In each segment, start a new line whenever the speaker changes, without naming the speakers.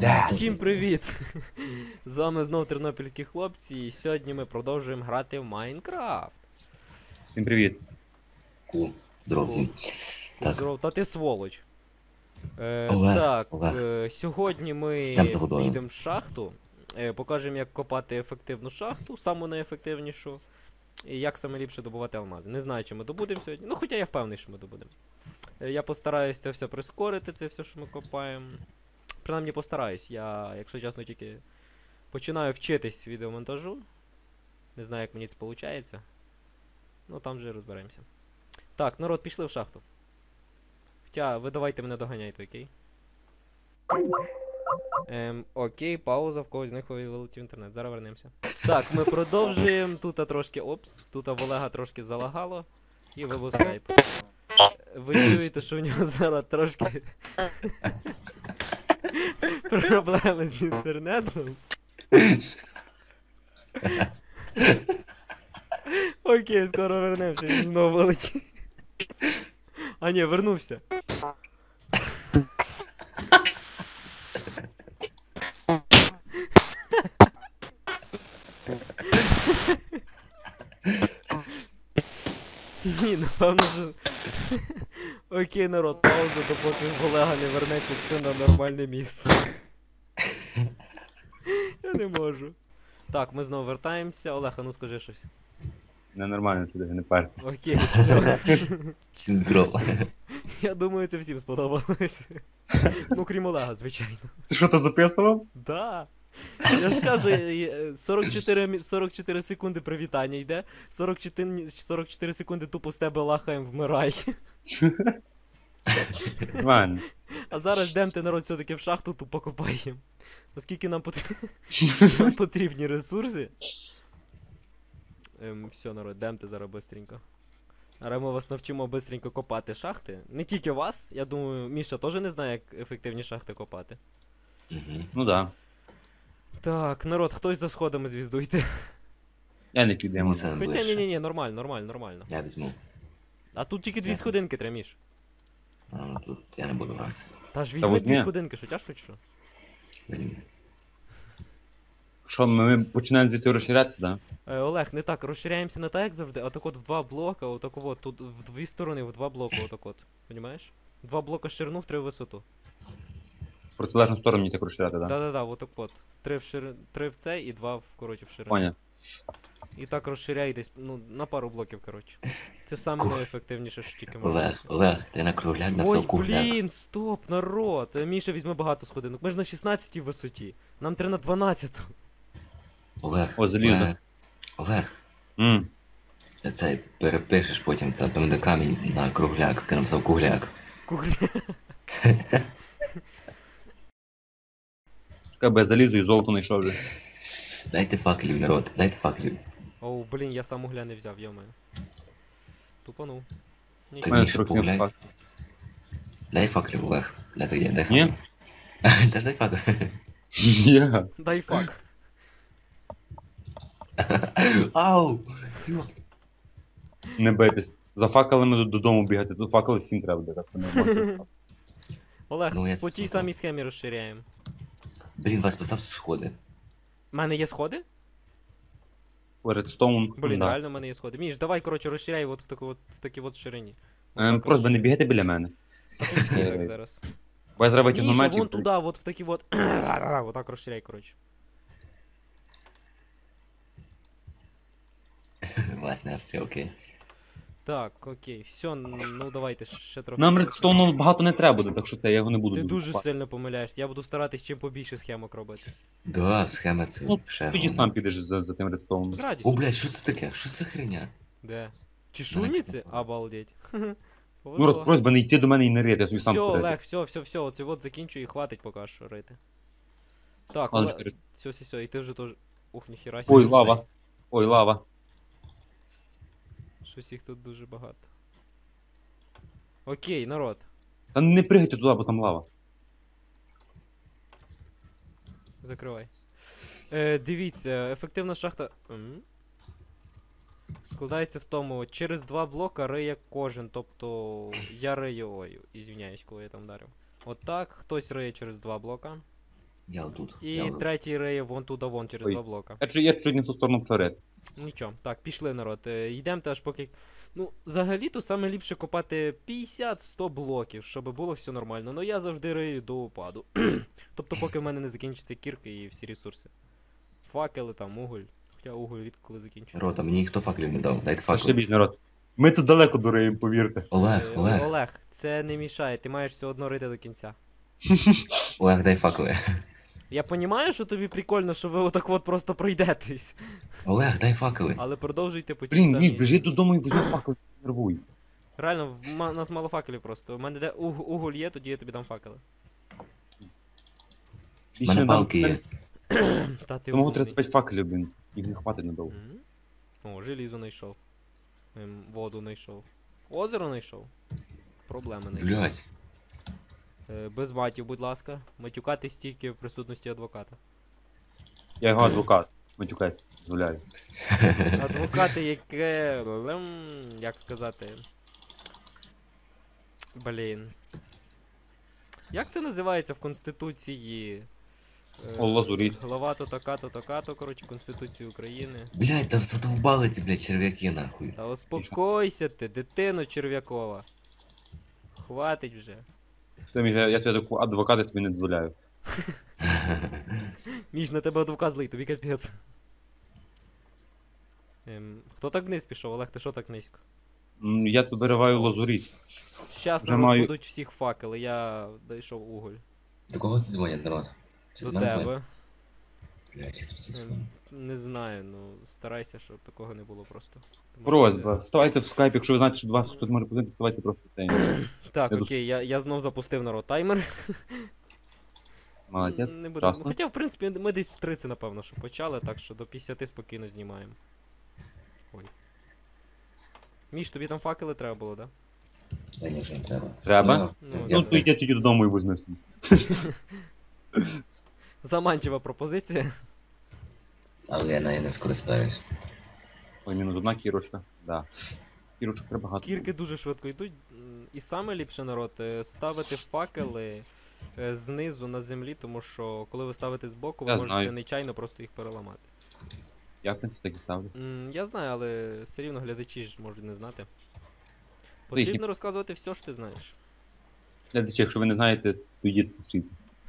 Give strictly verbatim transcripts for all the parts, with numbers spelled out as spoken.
Де?
Всім привіт! З вами знов тернопільські хлопці, і сьогодні ми продовжуємо грати в Майнкрафт.
Всім привіт.
Ку, здоров всім. Так.
Здоров, та ти сволоч. Е,
Олег,
так,
Олег.
е, сьогодні ми
Йдем за водою.
підемо в шахту. Е, покажемо, як копати ефективну шахту, саму найефективнішу. І як саме ліпше добувати алмази. Не знаю, чи ми добудемо сьогодні. Ну, хоча я впевнений, що ми добудемо. Е, я постараюсь це все прискорити, це все, що ми копаємо. Принаймні постараюсь. Я, якщо чесно, тільки починаю вчитись відеомонтажу. Не знаю, як мені це виходить. Ну, там вже розберемося. Так, народ, пішли в шахту. Хоча, ви давайте мене доганяйте, окей? Ем, окей, пауза, в когось з них вилетів інтернет. Зараз вернемося. Так, ми продовжуємо. Тут трошки, опс, тут в Олега трошки залагало. І вибув скайп. Ви чуєте, що в нього зараз трошки проблеми з інтернетом. Окей, скоро вернемося, він знову вилетів. А ні, вернувся. Ні, напевно, що... Окей, народ, пауза, допоки в Олега не вернеться все на нормальне місце. Я не можу. Так, ми знову вертаємося. Олег, а ну скажи щось.
Ненормально сюди, не парся.
Окей, все.
Всім здорово.
Я думаю, це всім сподобалось. Ну, крім Олега, звичайно.
Ти що то записував?
Да. Я ж кажу, е, сорок чотири, мі- сорок чотири секунди привітання йде, сорок чотири, сорок чотири секунди тупо з тебе лахаєм вмирай.
Нормально.
А зараз йдемте, народ, все-таки в шахту тупо копаємо. Оскільки нам, пот... нам потрібні ресурси. Ем, все, народ, йдемте зараз бистренько. Зараз ми вас навчимо бистренько копати шахти. Не тільки вас, я думаю, Міша теж не знає, як ефективні шахти копати.
Мгм.
Ну да.
Так, народ, хтось за сходами звіздуйте.
Я не підемо.
Мені саме
Хоча
ближче.
ні-ні-ні, нормально, нормально, нормально.
Я візьму.
А тут тільки дві
Це-
сходинки треба, Міш.
А, ну тут я не буду брати.
Та ж
Та
візьми
от
дві
ні.
сходинки, що тяжко чи що?
Блін.
Що, ми починаємо звідси розширятися, да?
Е, Олег, не так, розширяємося не так, як завжди, а так от в два блока, отак от, тут в дві сторони, в два блока, отак от. Понімаєш? Два блока ширину, в три в висоту.
В протилежну сторону мені так розширяти, да?
Да-да-да, отак от. Три в шир... три в цей і два в, коротше, в ширину.
Поняв.
І так розширяйтесь, ну, на пару блоків, коротше. Це саме
Ку-
найефективніше, що тільки можна.
Олег, Олег, ти на кругляк
Ой,
написав кругляк.
блін, стоп, народ. Е, Міша візьме багато сходинок. Ми ж на шістнадцятій висоті. Нам треба на дванадцяту.
Олег,
О, залізо.
Олег, Олег,
Ммм.
ти цей перепишеш потім це певне камінь на кругляк. Ти написав кругляк.
Кугля.
Чекай, бо я залізу і золото знайшов вже.
Дайте факелів, народ, дайте факелів.
Оу, блін, я сам угля не взяв, йомаю. Тупанув.
Та
У
Нічого.
мене
Міша,
сорок сім
погуляй.
факт.
Дай факелів, Олег. Дай дай, дай
Ні?
факел. Та ж дай факел.
Я.
Дай фак.
Ау!
Не бийтесь. За факелами до- додому бігати. Тут факели всім треба буде, так що не можна.
Олег,
Ну, я
по тій
слухаю.
самій схемі розширяємо.
Блін, вас постав сходи.
У мене є сходи?
Редстоун.
Блін,
да.
реально в мене є сходи. Міш, давай, коротше, розширяй от в таку от, в такій от ширині.
Ем, Просто не бігайте біля мене.
Так зараз.
Бо я зараз витягну
Міша,
меч і...
вон туди, от в такі от. Отак розширяй, коротше.
Власне, ще окей.
Так, окей, все, ну давайте ще- ще трохи.
Нам
коротше.
редстоуну багато не треба буде, так що це я його не буду
Ти
дуже
дуже
купати.
сильно помиляєшся, я буду старатись чим побільше схемок робити.
Да, схема це
Ну,
ще.
Тоді
головне.
сам підеш за, за тим редстоуном.
З
О,
радістю.
блядь, що це таке? Що це за хреня?
Де? Чешуйниці? Обалдеть.
Ну,
Повезло.
роз, просьба не йти до мене і не рити, я собі
Все,
сам порити.
Олег, все, все, все, оце от закінчу і хватить поки що рити. Так,
Ладно,
Олег,
чотири.
все, все, все, і ти вже теж. Ух, ніхіра
Ой,
сі.
лава. Ой, лава.
Щось їх тут дуже багато. Окей, народ.
Та не пригайте туди, бо там лава.
Закривай. Е, дивіться, ефективна шахта. М? Складається в тому, через два блока риє кожен, тобто я рию, ой, ізвиняюсь, коли я там дарив. Отак, хтось риє через два блока.
Я отут.
І
я отут.
третій риє вон туди вон через
Ой.
два блока.
Я чуть, я чуть не в ту сторону вперед.
Нічого, так, пішли народ. Е, Йдемо теж поки. Ну, взагалі-то саме ліпше копати п'ятдесят-сто блоків, щоб було все нормально. Ну я завжди рию до упаду. Тобто, поки в мене не закінчаться кірки і всі ресурси. Факели там, уголь. Хоча уголь рідко коли закінчується.
Рота, мені ніхто факелів не дав. Дайте
Та
факел.
ще більш народ. Ми тут далеко дуреємо, повірте.
Олег,
Е,
Олег,
Олег, це не мішає, ти маєш все одно рити до кінця.
Олег, дай факели.
Я розумію, що тобі прикольно, що ви отак от просто пройдетесь.
Олег, дай факели.
Але продовжуйте по тій
Блін,
самій.
Міш, біжи додому і візьми факел, нервуй.
Реально, в ма- нас мало факелів просто. У мене де уг- уголь є, тоді я тобі дам факели.
У
Більше
мене
не дам-
палки є.
Та ти
Тому
умний.
тридцять п'ять факелів, блін. Їх не хватить надовго.
М? О, желізо знайшов. Ем, воду знайшов. Озеро знайшов. Проблеми знайшов.
Блять.
Е, без матів, будь ласка. Матюкатись тільки в присутності адвоката.
Я його адвокат. Матюкай, дозволяю.
Адвокати, яке. ем, Як сказати. Блін. Як це називається в Конституції? Е,
О, лазуріт.
Глава то така, то така, то коротше Конституції України.
Блять, та задовбали ці, блять, черв'яки нахуй.
Та успокойся ти, дитино черв'якова. Хватить вже.
Все, Міш, я, я тебе таку адвоката тобі не дозволяю.
Між на тебе адвокат злий, тобі капець. Ем, хто так вниз пішов, Олег, ти що так низько?
М, Я тут вириваю лазуріт.
Щас
Вже
народ
маю-
будуть всіх факели, я дійшов уголь.
До кого це дзвонять, народ? Це
До
до мене дзвонять?
тебе.
Блять, я тут це
Ем,
дзвоню.
Не знаю, ну старайся, щоб такого не було просто. Тому що
Просьба, ставайте в скайп, якщо ви знаєте, що до вас хтось може подивитися, ставайте просто в цей.
це- Так,
Я
окей, я, я знов запустив народ таймер.
Молодець.
Не будемо.
Красно.
Хоча, в принципі, ми десь в тридцять, напевно, що почали, так що до п'ятдесят спокійно знімаємо. Ой. Міш, тобі там факели треба було, да?
Та ні, вже не треба.
Треба?
Ну,
Ну,
я-
Ну, то йди тоді додому і візьми собі.
Заманчива пропозиція.
Але я нею не скористаюсь.
Ой, мінус одна кірочка. Да. Кірочок треба багато.
Кірки дуже швидко йдуть. м, І саме ліпше народ е, ставити факели е, знизу на землі, тому що коли ви ставите збоку, ви
Я
можете
знаю.
нечайно просто їх переламати.
Я, в принципі, так і ставлю.
М, Я знаю, але все рівно глядачі ж можуть не знати.
їхні-
Потрібно розказувати все, що ти знаєш.
Глядачі, якщо ви не знаєте, то йдіть повчити.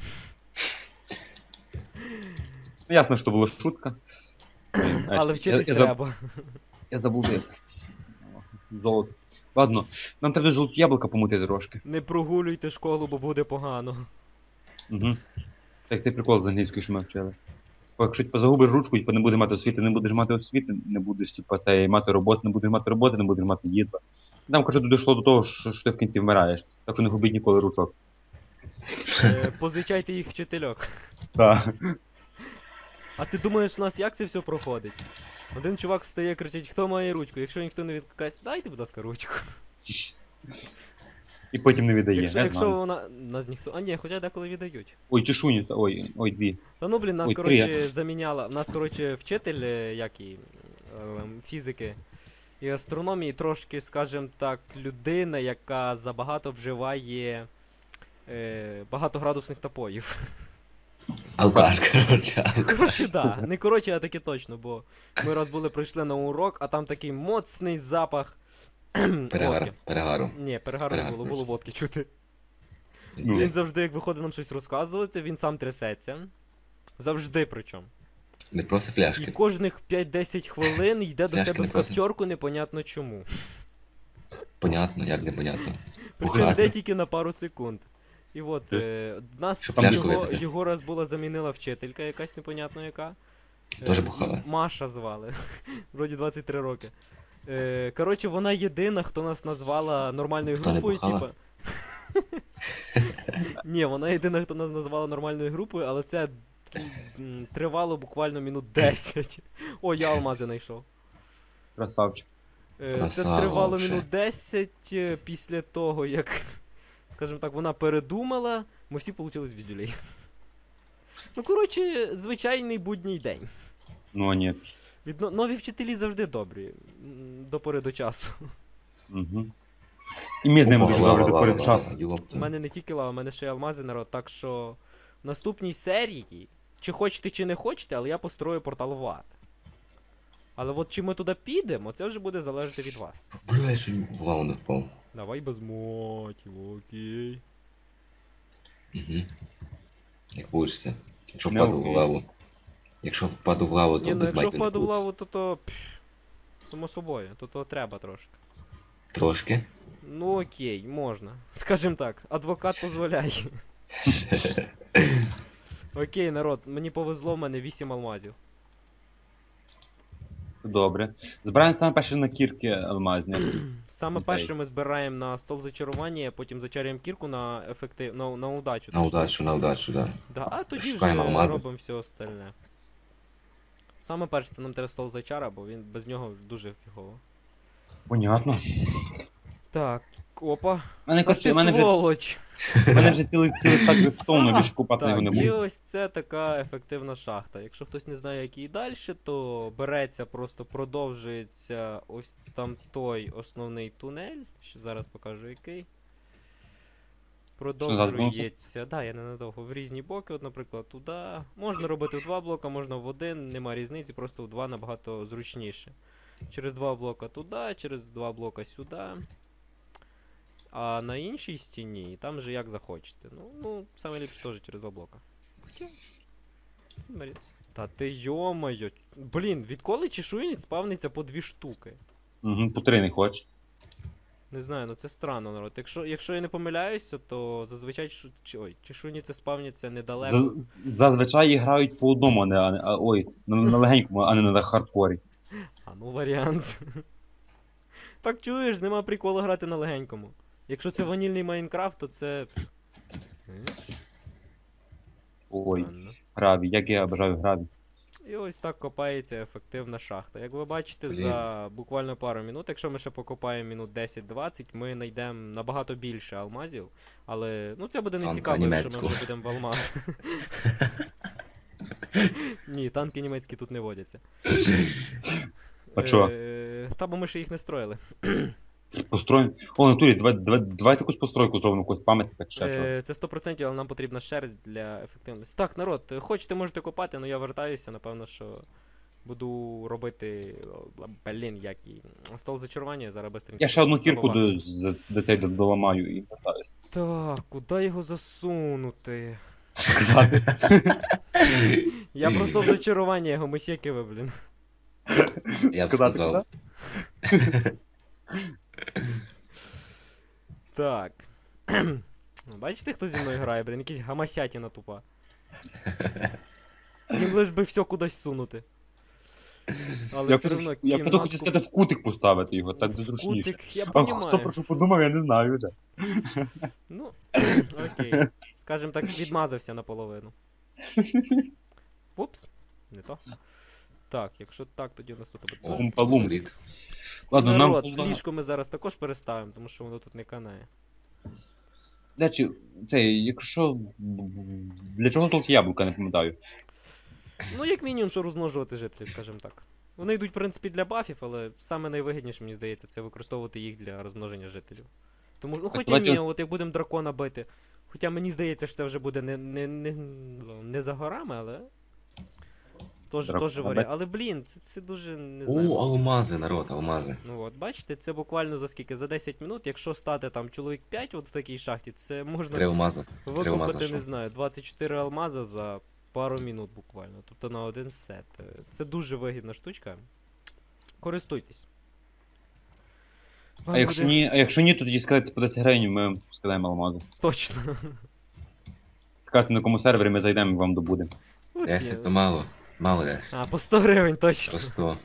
Ну, ясно, що була шутка. Блін, а,
Але
я-
вчитись
я, заб-
треба.
Я забувся. Золото. Ладно, нам треба золоті яблука помутити трошки.
Не прогулюйте школу, бо буде погано.
Угу. Так цей прикол з англійської, що ми вчили. Бо якщо типу, загубиш ручку, типу, не будеш мати освіти, не будеш мати освіти, не будеш типу, це, мати роботи, не будеш мати роботи, не будеш мати їдла. Там, коротше, дійшло до того, що, що ти в кінці вмираєш. Так не губіть ніколи ручок.
Е, Позичайте їх вчительок.
Так.
А ти думаєш, у нас як це все проходить? Один чувак встає, кричить, хто має ручку? Якщо ніхто не відкликається, дайте, будь ласка, ручку.
І потім не віддає.
Якщо,
я
якщо
знаю.
вона. Нас ніхто. А ні, хоча деколи віддають.
Ой, чешуні, та- ой, ой, дві.
Та ну блін, нас
Ой,
коротше
три.
заміняла. Нас, коротше, вчитель, е, як і ем, фізики і астрономії, трошки, скажімо так, людина, яка забагато вживає е, багатоградусних напоїв.
Алкаш, коротше, алкаш.
Коротше, да. Не коротше, а таки точно, бо ми раз були прийшли на урок, а там такий моцний запах.
Перегар,
водки.
перегару.
Ні, перегару не
Перегар,
було, було
коротше.
водки чути.
Ну.
Він завжди, як виходить нам щось розказувати, він сам трясеться. Завжди причому.
Не просто
І
фляшки.
кожних п'ять-десять хвилин йде до
Фляшки
себе
не
в
просить.
капчорку, непонятно чому.
Понятно, як непонятно.
Причому йде
Бухати.
тільки на пару секунд. І от, е, нас
Щоб
фляжку
його,
випити.
його раз була замінила вчителька, якась непонятно яка.
Теж
Е,
бухала?
Маша звали. Вроді двадцять три роки. Е, коротше, вона єдина, хто нас назвала нормальною
Хто не
групою,
бухала?
типа. Ні, вона єдина, хто нас назвала нормальною групою, але це м, тривало буквально минут десять. О, я алмази знайшов.
Красавчик.
Е, Це
Красава
тривало
вообще.
минут десять е, після того, як, скажімо так, вона передумала, ми всі получили звіздюлей. Ну, коротше, звичайний будній день.
Ну, а ні.
Відно... Нові вчителі завжди добрі. м, До пори до часу.
Угу. І ми з ними
Опа,
дуже
лава,
добре до
лава,
перед
лава,
часу.
У
ёпта.
мене не тільки лава, у мене ще й алмази народ, так що в наступній серії, чи хочете, чи не хочете, але я построю портал в ад. Але от чи ми туди підемо, це вже буде залежати від вас.
Бля, я чуть в лаву не впав.
Давай без мотів, окей.
Угу. Як получиться. Якщо
Не
впаду в
окей.
лаву. Якщо впаду в лаву, то
Ні, ну
без
якщо
матів не
впаду в
получиться.
лаву, то то... пф, само собою, то то треба трошки.
Трошки.
Ну окей, можна. Скажем так, адвокат дозволяє. Окей, народ, мені повезло, в мене вісім алмазів.
Добре. Збираємо саме перше на кірки алмазні.
Саме
Окей.
перше ми збираємо на стол зачарування, потім зачарюємо кірку на ефектив... на, на удачу.
На удачу, на удачу, да.
Да, а тоді
Шукаємо
вже
алмази.
робимо все остальне. Саме перше це нам треба стол зачара, бо він без нього дуже фігово.
Понятно.
Так, опа.
У мене,
А
коротше,
ти
у мене вже,
сволоч!
у мене вже цілий цілий стак готовий, більше купати його
Так,
не
і
буду.
ось це така ефективна шахта. Якщо хтось не знає, як її далі, то береться, просто продовжується ось там той основний тунель. Ще зараз покажу який. Продовжується. Да, я ненадовго. В різні боки, от, наприклад, туди. Можна робити в два блока, можна в один, нема різниці, просто в два набагато зручніше. Через два блока туди, через два блока сюди. А на іншій стіні, там же як захочете. Ну, ну, саме ліпше теж через два блока. Хоча. це не марі- Та ти йомайо. Блін, відколи чешуйниць спавниться по дві штуки?
Угу, по три не хочеш.
Не знаю, ну це странно, народ. Якщо, якщо я не помиляюся, то зазвичай шу... чи- ой, чешуйниці спавняться недалеко.
З- Зазвичай грають по одному, а не, а не- а, ой, на, на легенькому, а не на хардкорі.
А ну варіант. Так чуєш, нема приколу грати на легенькому. Якщо це ванільний Майнкрафт, то це. М,
Ой,
странно.
граві, як я бажаю граві.
І ось так копається ефективна шахта. Як ви бачите,
Блін.
за буквально пару минут, якщо ми ще покопаємо минут десять-двадцять, ми знайдемо набагато більше алмазів. Але ну це буде не
Танка
цікаво, якщо ми
німецького.
вже будемо в алмаз. Ні, танки німецькі тут не водяться.
А чо?
Е, Та бо ми ще їх не строїли.
Построїмо. О, натурі, давай, давай, давайте якусь постройку зробимо, якусь пам'ятник, ще чого.
Е, Це сто відсотків, але нам потрібна шерсть для ефективності. Так, народ, е, хочете, можете копати, але я вертаюся, напевно, що буду робити. о, Блін, як і. Стол зачарування, зараз быстренько.
Я ще одну кірку
забуваю.
до, з- до цей до- доламаю і вертаю.
Так, куди його засунути?
Сказати.
Я просто в зачарування його мисякиве, блін.
Я б
Сказати,
сказав.
Так. Ну, бачите, хто зі мною грає, блін, якийсь гамасятіна тупа. Їм лиш би все кудись сунути. Але
Я
все
хотів-
одно
я хотів
кімнатку...
хотів сказати в кутик поставити його, так
в
зручніше.
кутик, я
А хто
понімаю.
про що подумав, я не знаю вже.
Ну, окей. Скажем так, відмазався наполовину. Упс, не то. Так, якщо так, тоді у нас тут буде.
О,
теж.
Палум.
зліт.
Ладно,
Народ,
нам...
ліжко ми зараз також переставимо, тому що воно тут не канає.
Для, чи, це, якщо... Для чого тут яблука, не пам'ятаю.
Ну, як мінімум, що розмножувати жителів, скажімо так. Вони йдуть, в принципі, для бафів, але саме найвигідніше, мені здається, це використовувати їх для розмноження жителів. Тому, ну, хоча
давайте-
ні, от як будемо дракона бити. Хоча мені здається, що це вже буде не, не, не, не за горами, але. Тож,
Дракона
теж варіант.
бити?
Але блін, це, це дуже не знаю.
О, алмази, народ, алмази.
Ну от, бачите, це буквально за скільки? За десять минут, якщо стати там чоловік п'ять от в такій шахті, це можна
Три алмази. Три алмази
викопати, не
знайшов.
знаю, двадцять чотири алмаза за пару минут буквально. Тобто на один сет. Е, Це дуже вигідна штучка. Користуйтесь. Вам
А якщо
буде-
ні, а якщо ні, то тоді сказати по десять гривень, ми вам скидаємо алмази.
Точно.
Скажете, на якому сервері ми зайдемо і вам добудемо.
От
Десять
ні.
то мало. Мало десь.
А, по сто гривень точно.
Просто.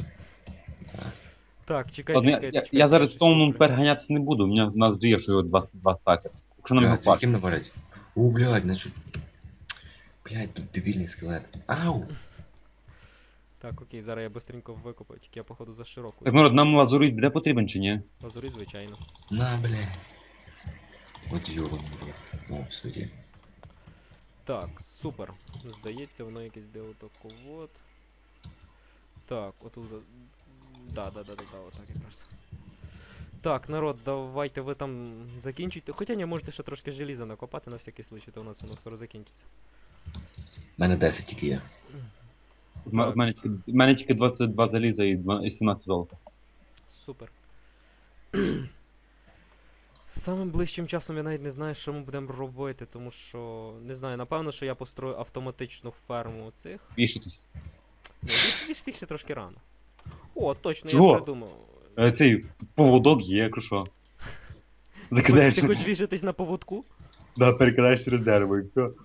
Так, чекайте,
Ладно, я,
чекайте,
я,
чекайте.
я зараз
щось
томном
куплю.
переганятися не буду, у мене в нас діє, що його два, два стаки. Якщо нам його
Блядь,
хватить.
ким навалять? О, блядь, значить. Блядь, тут дебільний скелет. Ау!
Так, окей, зараз я быстренько викопаю, тільки я походу за широку.
Так, народ, нам лазурит буде потрібен чи ні?
Лазурит, звичайно.
На, блядь. От йобаний. О, все є.
Так, супер. Здається, воно якесь де отако от. Так, отут. Да, да, да, да, да, отак якраз. Так, народ, давайте ви там закінчуйте. Хоча ні, можете ще трошки желіза накопати на всякий случай, то у нас воно скоро закінчиться.
У мене десять тільки є.
В м-
Так.
в мене тільки, в мене тільки двадцять два заліза і два- і сімнадцять золота.
Супер. Самим ближчим часом я навіть не знаю, що ми будемо робити, тому що. Не знаю, напевно, що я построю автоматичну ферму цих.
Вішатись.
Ні, вішти ще трошки рано. О, точно,
Чого?
я придумав.
Е, Цей поводок є, якщо що.
Хоч,
Закидаєш,
ти хочеш вішатись на поводку?
да, перекидаєш через дерево і все.
Е,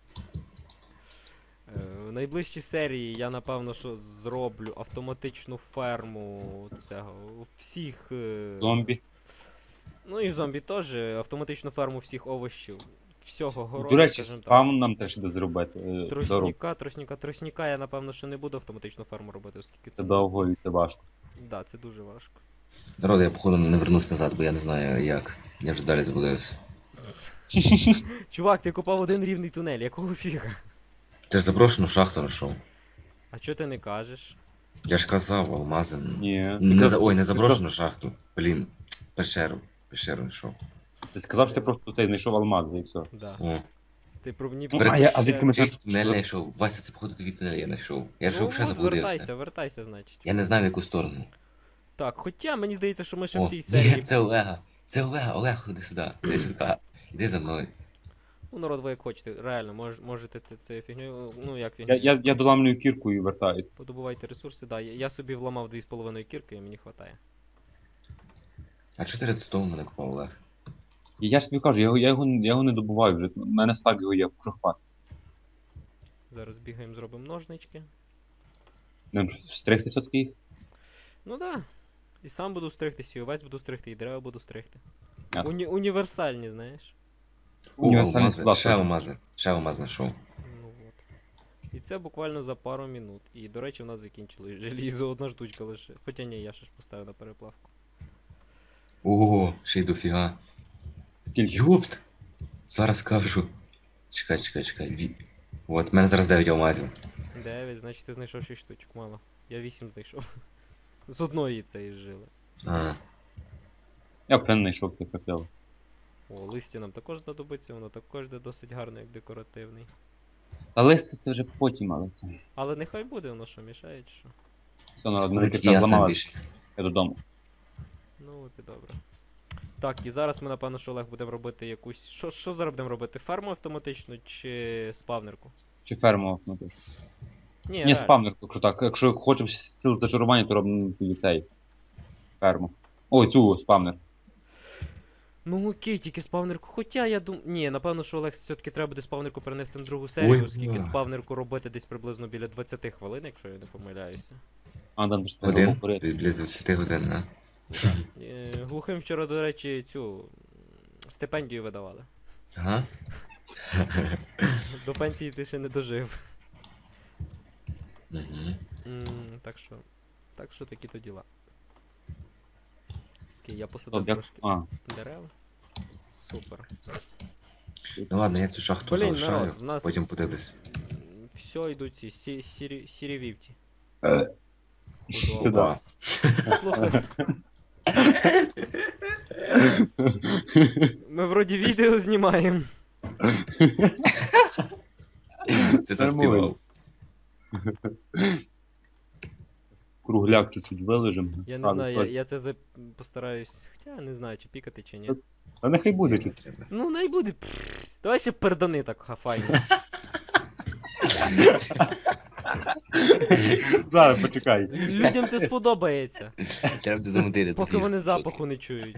в найближчій серії я напевно що зроблю автоматичну ферму цього всіх. е,
Зомбі.
Ну і зомбі теж, автоматичну ферму всіх овочів. Всього городу,
До речі,
скажімо так.
спам нам теж іде зробити. е, Дорогу.
Тросніка, тросніка, тросніка я напевно що не буду автоматичну ферму робити, оскільки
Це
це.
довго і це важко.
Да, це дуже важко.
Народ, я походу не вернусь назад, бо я не знаю як. Я вже далі заблудився.
Чувак, ти копав один рівний тунель, якого фіга?
Ти ж запрошену шахту знайшов.
А чого ти не кажеш?
Я ж казав, алмази.
Ні.
Не за... Ой, не
Ти
заброшену шахту. Блін, пещеру. Пещеру знайшов.
Ти сказав, що ти просто цей знайшов алмази і все.
Да.
О.
Ти про мені
Ну, а я- а звідки ми
Ти
це-
тунель знайшов. Вася, це походу твій тунель я знайшов. Я ж
Ну,
взагалі
от,
заблудився.
вертайся, вертайся, значить.
Я не знаю в яку сторону.
Так, хоча мені здається, що ми ще в
О,
цій
ні,
серії.
це Олега. Це Олега. Олег, ходи сюди. Іди сюди. Іди за мною.
Ну, народ, ви як хочете, реально, мож, можете це, це фігню. Ну як
Я,
фігню.
я, я доламлюю кірку і вертаюсь.
Подобувайте ресурси, да. Я, я собі вламав дві з половиною кірки і мені хватає.
А чого ти редстоун мене купав, Олег?
І я ж тобі кажу, я, його- я, його, я його не добуваю вже. У мене стак його є, прохват.
Зараз бігаємо, зробимо ножнички.
Не стригтися такий.
Ну да. І сам буду стригтися, і овець буду стригти, і дерева буду стригти.
Ясно.
Уні- універсальні, знаєш.
О,
Універсальний
алмази.
склад.
Ще алмази. Ще алмаз знайшов.
Ну от. І це буквально за пару минут. І, до речі, в нас закінчилось желізо, одна штучка лише. Хоча ні, я ще ж поставив на переплавку.
Ого, ще й дофіга.
Скільки?
Йопт! Зараз кажу. Чекай, чекай, чекай. Ві... От, в мене зараз дев'ять алмазів.
Дев'ять, значить ти знайшов шість штучок, мало. Я вісім знайшов. З одної цієї жили.
А,
Я плен знайшов ти хотів.
О, листя нам також знадобиться, воно також де досить гарно, як декоративний.
Та листи це вже потім, але це.
Але нехай буде, воно що, мішає чи що?
Все, народ,
це
мене
тільки
кірка
я сам
зламала,
більше.
я додому.
Ну от і добре. Так, і зараз ми, напевно, що Олег будемо робити якусь. Що, що зараз будемо робити? Ферму автоматичну чи спавнерку?
Чи ферму ну, теж.
Ні,
Ні,
реально.
спавнер, якщо так. Якщо хочемо сил зачарування, то робимо тоді цей. Ферму. Ой, цю спавнер.
Ну окей, тільки спавнерку. Хоча я думаю. Ні, напевно, що Олег все-таки треба буде спавнерку перенести на другу серію,
Ой,
оскільки
бля.
спавнерку робити десь приблизно біля двадцять хвилин, якщо я не помиляюся.
А, там ж
Один?
поряд.
Біля двадцяти годин, а?
Е, глухим вчора, до речі, цю м, стипендію видавали.
Ага.
До пенсії ти ще не дожив.
Угу.
М, так що. Так що такі то діла. Окей, я посадив
Як...
трошки
А,
дерев. Супер.
Ну ладно, я цю шахту
Блін,
залишаю,
народ, в нас
потім подивлюсь.
все йдуть ці сі, сірі, сірі вівці.
Е.
Худоба.
Сюди.
Опа.
Слухай. Ми вроді відео знімаємо.
Це заспівав.
Кругляк чуть-чуть вилежимо.
Я не знаю, я, я це за... постараюсь. Хоча я не знаю, чи пікати, чи ні.
А нехай буде чуть.
Треба.
Ну, най буде. Пф, давай ще пердани так хафайно.
Зараз, почекай.
Людям це сподобається.
Треба замутити.
Поки
тоді.
вони запаху не чують.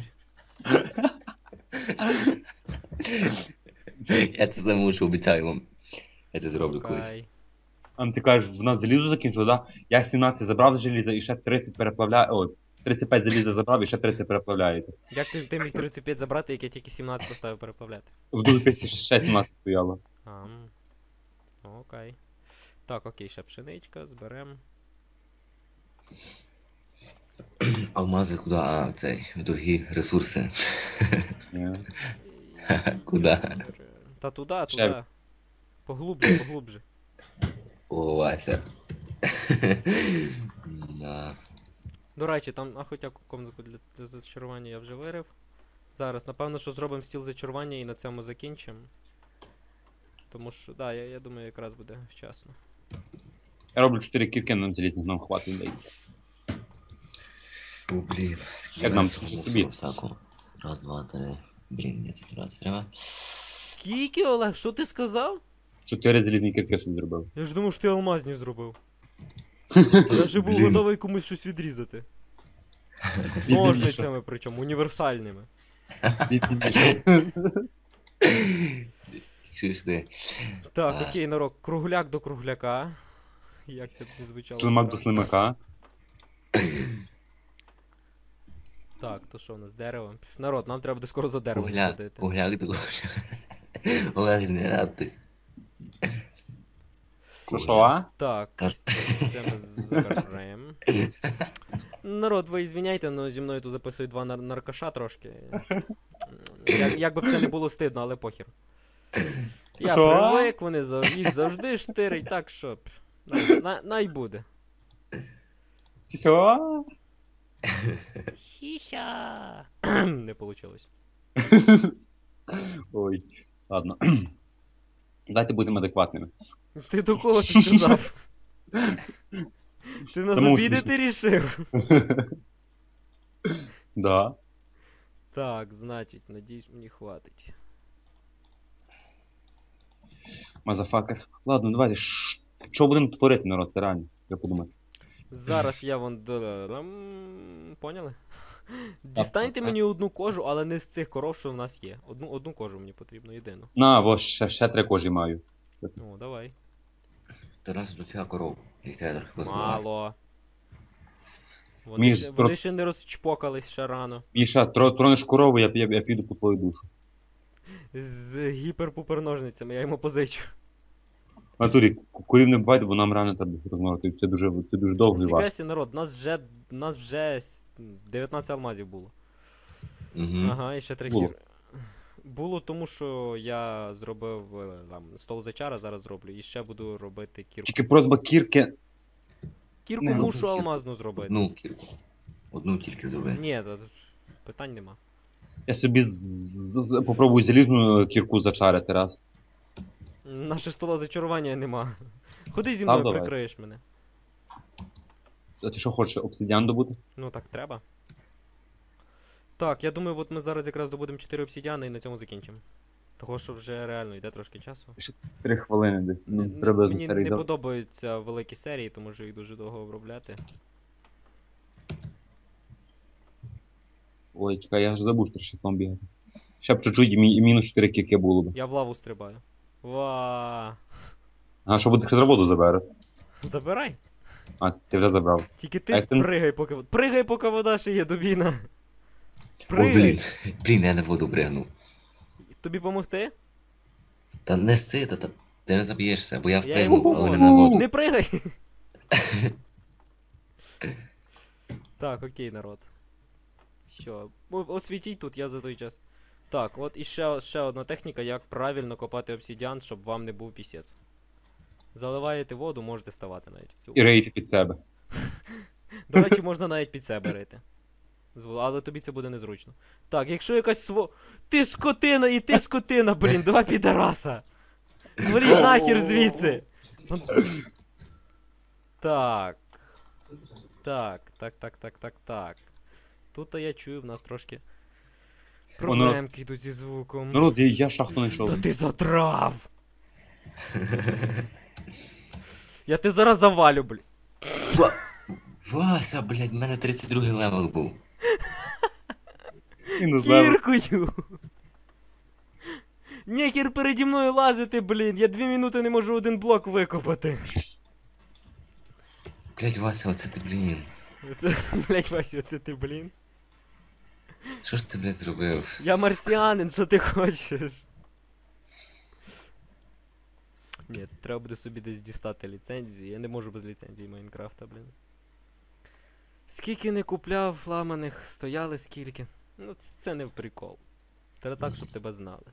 Я це замушу, обіцяю вам. Я це зроблю колись.
Окей.
А ти кажеш, в нас залізо закінчило, да? Я сімнадцять забрав з желіза і ще тридцять переплавляю. О, тридцять п'ять заліза забрав і ще тридцять переплавляєте.
Як ти, ти міг тридцять п'ять забрати, як я тільки сімнадцять поставив переплавляти?
В дупі ще сімнадцять стояло.
А, м. Окей. Так, окей, ще пшеничка, зберем.
Алмази куди? А, цей, дорогі ресурси.
Ні.
Куди?
Та туди,
Ще.
туди. Поглубже, поглубже.
О, Вася. Да.
До речі, там, а хоча комнатку для, для зачарування я вже вирив. Зараз, напевно, що зробимо стіл зачарування і на цьому закінчимо. Тому що, да, я, я думаю, якраз буде вчасно.
Я роблю чотири кірки на залізних, нам хватить дай.
О, блін, скільки
Як нам
всього
тобі?
всякого. Раз, два, три. Блін, ні, це зразу треба.
Скільки, Олег, що ти сказав?
Чотири залізні кірки собі зробив.
Я ж думав, що ти алмазні зробив. Я вже був
Блін.
готовий комусь щось відрізати. Ножницями причому, універсальними.
Чуєш ти?
Так, окей, народ, кругляк до кругляка. Як це не звучало?
Слимак до
странно.
слимака.
Так, то що у нас дерево? Пф, народ, нам треба буде скоро за деревом
Кугляк,
сходити.
кугляк до Олег, не радуйся.
Ну що, а?
Так,
Кар-
ось це ми заберемо. Народ, ви звіняйте, але зі мною тут записують два нар- наркаша трошки. Як, як би б це не було стидно, але похер. Я
Що?
привик, вони зав... їх завжди штирить, так що. пф, Най, най, най буде.
Сісьо?
Шіша. Не вийшло.
Ой, ладно. Дайте будемо адекватними.
Ти до кого ти сказав? Ти нас
Тому
обідати рішив?
Да.
Так, значить, надіюсь, мені хватить.
Мазафакер. Ладно, давайте. ш- Що будемо творити, народ, це реально? Я подумаю.
Зараз я вон до. Ам, Поняли? Дістаньте
так.
мені одну кожу, але не з цих коров, що в нас є. Одну, одну кожу мені потрібно, єдину.
На, во, ще, ще три кожі маю.
О, давай.
До нас тут всяка коров. Їх треба трохи позбивати.
Мало. Вони,
Між
ще,
спро-
вони ще не розчпокались ще рано.
Міша, тро, тронеш корову, я, я, я піду по твою душу.
З гіперпупер-ножницями, я йому позичу.
В натурі, ку- курів не буває, бо нам рано треба розмовити. Це дуже, це дуже довго і важко.
Фігасі, народ, нас вже, нас вже с- дев'ятнадцять алмазів було.
Угу.
Ага, і ще три
Було.
кір. Було тому, що я зробив е, там, стол зачара, зараз зроблю, і ще буду робити кірку.
Тільки просьба кірки.
Кірку
Не,
мушу
кірку.
алмазну зробити.
Одну кірку. Одну тільки зроби.
Ні, та- питань нема.
Я собі з, з, з- попробую залізну кірку зачарити раз.
Наше стола зачарування нема. Ходи зі
Став
мною,
давай.
прикриєш мене.
А ти що хочеш, обсидіан добути?
Ну так треба. Так, я думаю, от ми зараз якраз добудемо чотири обсідіани і на цьому закінчимо. Того, що вже реально йде трошки часу.
Три хвилини десь. Ну,
Не-
треба
мені
старий
не
дав.
подобаються великі серії, тому що їх дуже довго обробляти.
Ой, чекай, я ж забув, що шляхом бігати. Ще б чуть-чуть і, мі- і мінус чотири кірки було б.
Я в лаву стрибаю. Ва.
А що буде, з роботу забере?
Забирай.
А, ти вже забрав.
Тільки
А
ти
як ти-
пригай, поки. вод- Пригай, поки вода ще є, Дубіна.
Ой,
Пригай.
блін. Блін, я на воду пригнув.
Тобі помогти?
Та не сита, та ти не заб'єшся, бо я
Я йому
впригнув, але не
помогу.
на воду.
Не пригай! Так, окей, народ. Що? О- Освітіть тут, я за той час. Так, от і ще, ще одна техніка, як правильно копати обсідіан, щоб вам не був пісець. Заливаєте воду, можете ставати навіть в цю.
І рейти під себе.
До речі, можна навіть під себе рити. З вод- Але тобі це буде незручно. Так, якщо якась сво. Ти скотина і ти скотина, блін, два підараса! Зваліть нахер звідси! Так. Так, так, так, так, так, так. Тут я чую, в нас трошки проблемки йдуть зі звуком.
Народ, я, я шахту знайшов.
Та ти затрав! Я ти зараз завалю, блін.
Ва- Вася, блядь, в мене тридцять другий левел був.
І не знаю.
Кіркою! Нехер переді мною лазити, блін. Я дві минути не можу один блок викопати.
Блядь, Вася, оце ти, блін.
Це, блять, Вася, оце ти, блін.
Що ж ти, блядь, зробив?
Я марсіанин, що ти хочеш? Ні, треба буде собі десь дістати ліцензію. Я не можу без ліцензії Майнкрафта, блін. Скільки не купляв ламаних, стояли скільки. Ну, це, це не в прикол. Треба так, щоб тебе знали.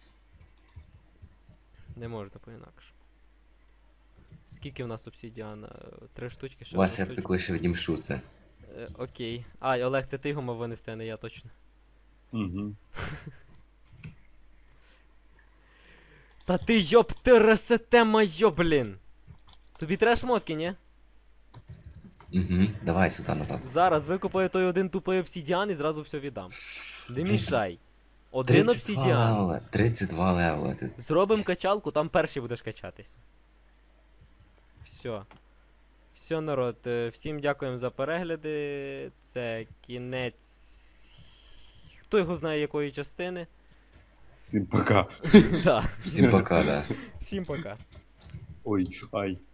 Не можна по-інакшому. Скільки в нас обсідіана? Три штучки ще
Вася,
одна
я тобі
штучка.
коли ще відімшу це.
Е, окей. А, Олег, це ти його мав винести, а не я точно.
Угу.
Та ти йоп ти ресете моє, блін. Тобі треба шмотки, ні?
Угу. Давай сюди назад.
Зараз викопаю той один тупий обсідіан і зразу все віддам. Не мішай. Один
тридцять два
обсідіан.
левела. тридцять два левела. Ти...
Зробим качалку, там перший будеш качатись. Все. Все, народ. е, Всім дякуємо за перегляди. Це кінець. Хто його знає якої частини?
Всім пока.
Да.
Всім пока, да.
Всім пока.
Ой, ай.